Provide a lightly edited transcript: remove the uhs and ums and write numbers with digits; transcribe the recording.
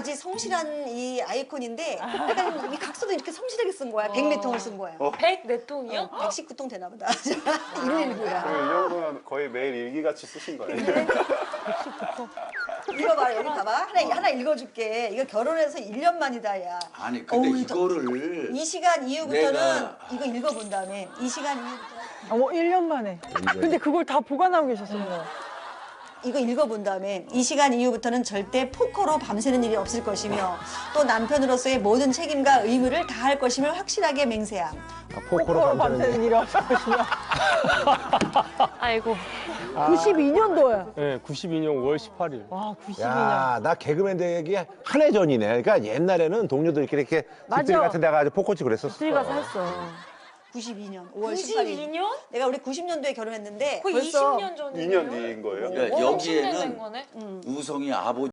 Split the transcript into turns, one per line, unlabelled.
마치 성실한 이 아이콘인데 약간 이 각서도 이렇게 성실하게 쓴 거야. 104통을 쓴 거예요.
104통이요?
119통 되나 보다. 119야.
그럼 이 정도면 거의 매일 일기같이 쓰신 거예요.
이거 봐, 여기 봐봐. 하나 읽어줄게. 이거 결혼해서 1년 만이다, 야.
아니 근데
어우,
이거를
이 시간 이후부터는
내가-
이거 읽어본 다음에 이 시간 이후부터
어머 1년 만에. 근데 그걸 다 보관하고 계셨어요.
이거 읽어본 다음에 이 시간 이후부터는 절대 포커로 밤새는 일이 없을 것이며 또 남편으로서의 모든 책임과 의무를 다할 것임을 확실하게 맹세함.
포커로 밤새는 일이 없을 것이며.
아이고.
92년도에.
네, 92년 5월 18일.
와 92년.
야, 나 개그맨 되기 한 해 전이네. 그러니까 옛날에는 동료들끼리 이렇게
맞아.
집들 같은 데 가서 포코치 그랬었어.
집에 가서 했어.
92년 5월 18일.
92년?
내가 우리 90년도에 결혼했는데
거의
벌써
20년 전이에요.
2년 뒤인 거예요?
그러니까
10년 된
여기에는
거네?
우성이 아버지